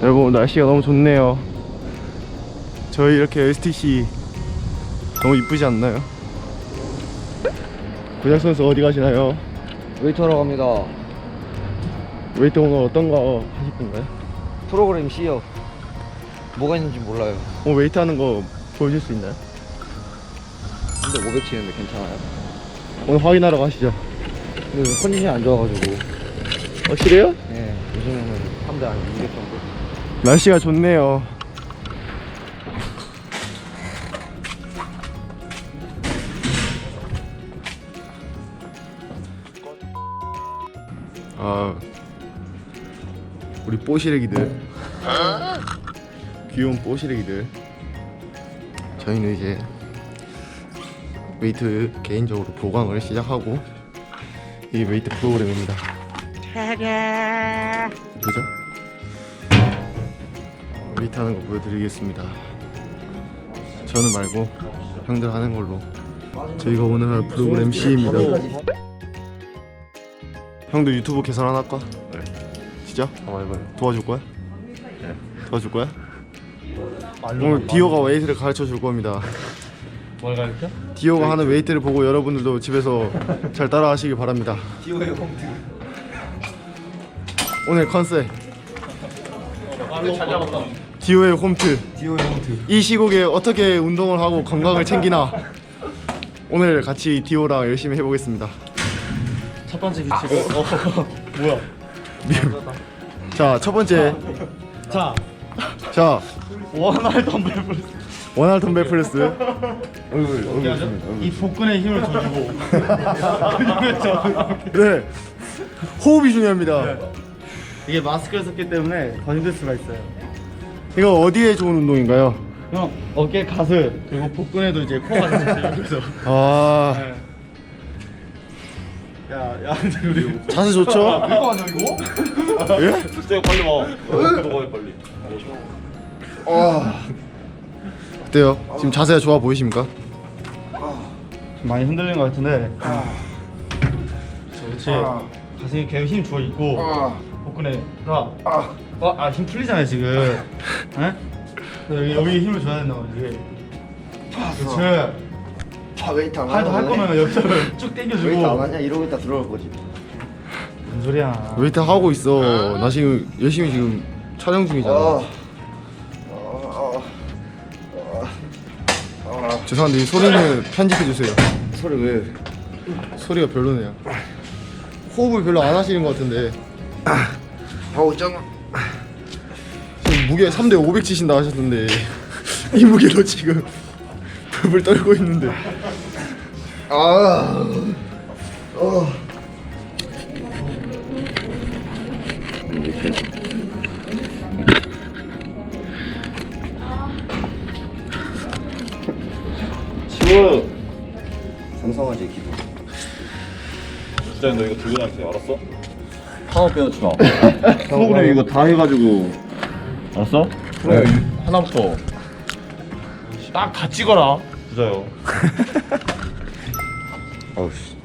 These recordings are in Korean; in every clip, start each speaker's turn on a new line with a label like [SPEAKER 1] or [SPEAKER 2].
[SPEAKER 1] 여러분 날씨가 너무 좋네요. 저희 이렇게 STC 너무 이쁘지 않나요? 고작 선수 어디 가시나요?
[SPEAKER 2] 웨이터로 갑니다.
[SPEAKER 1] 웨이트 오늘 어떤 거 하실 건가요?
[SPEAKER 2] 프로그램 C요. 뭐가 있는지 몰라요.
[SPEAKER 1] 오늘 웨이트 하는 거 보여줄 수 있나요?
[SPEAKER 2] 근데 500 치는데 괜찮아요?
[SPEAKER 1] 오늘 확인하러 가시죠.
[SPEAKER 2] 근데 컨디션이 안 좋아가지고.
[SPEAKER 1] 확실해요?
[SPEAKER 2] 네, 요즘에는 3대 한 200 정도.
[SPEAKER 1] 날씨가 좋네요. 아, 우리 뽀시래기들, 귀여운 뽀시래기들. 저희는 이제 웨이트 개인적으로 보강을 시작하고, 이게 웨이트 프로그램입니다. 그죠? 웨이트 하는 거 보여드리겠습니다. 저는 말고 형들 하는 걸로. 저희가 오늘 할 프로그램 C입니다. 형도 유튜브 개설 하나 할까?
[SPEAKER 3] 네.
[SPEAKER 1] 진짜?
[SPEAKER 3] 한번 해봐요.
[SPEAKER 1] 도와줄 거야?
[SPEAKER 3] 네.
[SPEAKER 1] 도와줄 거야? 오늘 디오가 웨이트를 가르쳐 줄 겁니다.
[SPEAKER 3] 뭘 가르쳐?
[SPEAKER 1] 디오가 하는 웨이트를 보고 여러분들도 집에서 잘 따라 하시길 바랍니다.
[SPEAKER 2] 디오의 홈트.
[SPEAKER 1] 오늘 컨셉
[SPEAKER 3] 잘 잡았다.
[SPEAKER 1] 디오의 홈트.
[SPEAKER 2] 디오의 홈트.
[SPEAKER 1] 이 시국에 어떻게 운동을 하고 건강을 챙기나, 오늘 같이 디오랑 열심히 해보겠습니다.
[SPEAKER 3] 첫 번째 규칙은 뭐야?
[SPEAKER 1] 자, 첫 번째. 자,
[SPEAKER 3] 원활 덤벨 프레스.
[SPEAKER 1] 원활 덤벨 프레스.
[SPEAKER 3] 이 복근에 힘을 줘주고.
[SPEAKER 1] 네, 호흡이 중요합니다.
[SPEAKER 3] 이게 마스크를 썼기 때문에 더 힘들 수가 있어요.
[SPEAKER 1] 이거 어디에 좋은 운동인가요?
[SPEAKER 3] 형 어깨, 가슴 그리고 복근에도 이제 코가 있어요. 그래서.
[SPEAKER 1] 아,
[SPEAKER 3] 야, 우리
[SPEAKER 1] 자세 좋죠?
[SPEAKER 3] 이거 아니야 이거?
[SPEAKER 1] 예?
[SPEAKER 3] 진짜 빨리 와. 너가 빨리.
[SPEAKER 1] 어때요? 지금 자세가 좋아 보이십니까?
[SPEAKER 3] 좀 많이 흔들리는 것 같은데. 그렇지. 가슴에 계속 힘 줘 있고 복근에 힘 풀리잖아요 지금. 에? 여기 힘을 줘야 된다 이게. 그렇지.
[SPEAKER 2] 웨이트 안
[SPEAKER 3] 팔도 할 거면 여기서를 쭉
[SPEAKER 2] 웨이트 안
[SPEAKER 3] 당겨주고.
[SPEAKER 2] 하냐? 이러고 있다 들어올 거지.
[SPEAKER 3] 뭔 소리야?
[SPEAKER 1] 웨이트 하고 있어. 나 지금 열심히 지금 촬영 중이잖아. 죄송한데 이 소리는 편집해 주세요.
[SPEAKER 2] 소리 왜?
[SPEAKER 1] 소리가 별로네요. 호흡을 별로 안 하시는 것 같은데.
[SPEAKER 2] 하고 있잖아.
[SPEAKER 1] 지금 무게 3대 500 치신다 하셨는데 이 무게로 지금 불을 떨고 있는데.
[SPEAKER 3] 지워.
[SPEAKER 2] 삼성화재 기도.
[SPEAKER 3] 진짜 너 이거 들고 다니세요, 알았어?
[SPEAKER 2] 하나 빼놓지 마.
[SPEAKER 3] 프로그램 이거 다 해가지고. 알았어?
[SPEAKER 2] 네.
[SPEAKER 3] 하나부터 딱 다 찍어라. 부자요.
[SPEAKER 2] 어우 씨.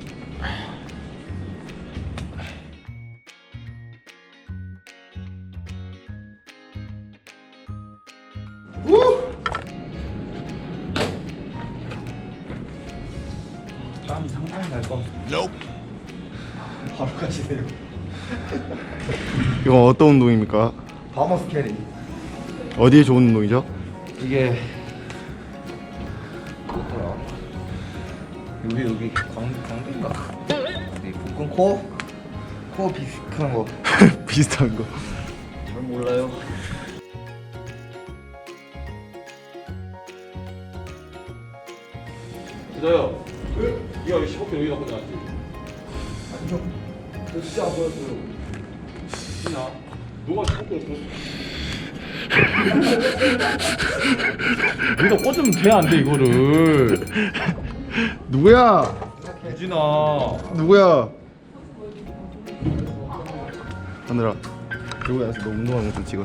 [SPEAKER 3] 땀이 상당히 날 거.
[SPEAKER 2] 바로 가시네요.
[SPEAKER 1] 이건 어떤 운동입니까?
[SPEAKER 2] 바머스 캐리.
[SPEAKER 1] 어디에 좋은 운동이죠?
[SPEAKER 2] 이게 뭐더라? 여기 광대인가? 이 복근 코어 비슷한 거.
[SPEAKER 1] 비슷한 거.
[SPEAKER 2] 잘 몰라요.
[SPEAKER 3] 부자요. 네가 왜 15kg 여기다 꽂아놨지?
[SPEAKER 2] 아니요. 저 진짜 안 보였어요.
[SPEAKER 3] 진아. 너가 15kg 줬어. 여기다 꽂으면 돼, 안 돼, 이거를.
[SPEAKER 1] 누구야?
[SPEAKER 3] 유진아.
[SPEAKER 1] 누구야? 하늘아, 들고 나서 너 운동하는 거 좀 찍어.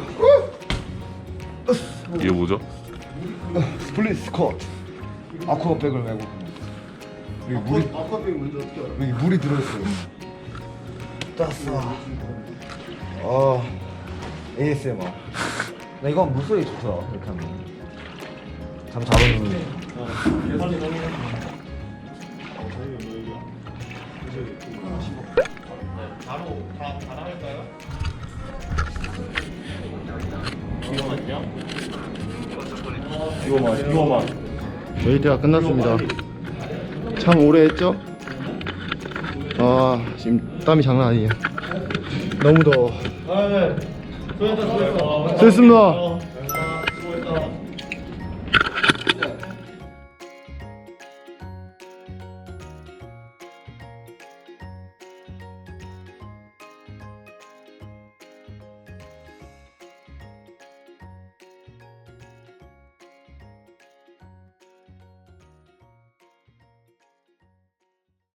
[SPEAKER 3] 이게 뭐죠?
[SPEAKER 2] 스플릿 스쿼트. 아쿠아백을 메고. 여기 물이
[SPEAKER 1] 아쿠아백이 뭔지 어떻게 알아?
[SPEAKER 2] 여기 물이 들어있어요. 땄어. ASMR. 나 이거 물소리 좋더라. 이렇게 하면. 잠 잡으면.
[SPEAKER 3] 계산이 너무 바로 다 나갈까요? 이거만
[SPEAKER 1] 웨이트가 끝났습니다. 참 오래 했죠? 아 지금 땀이 장난 아니에요. 너무 더워.
[SPEAKER 3] 아, 네. 수고했다.
[SPEAKER 1] 됐습니다.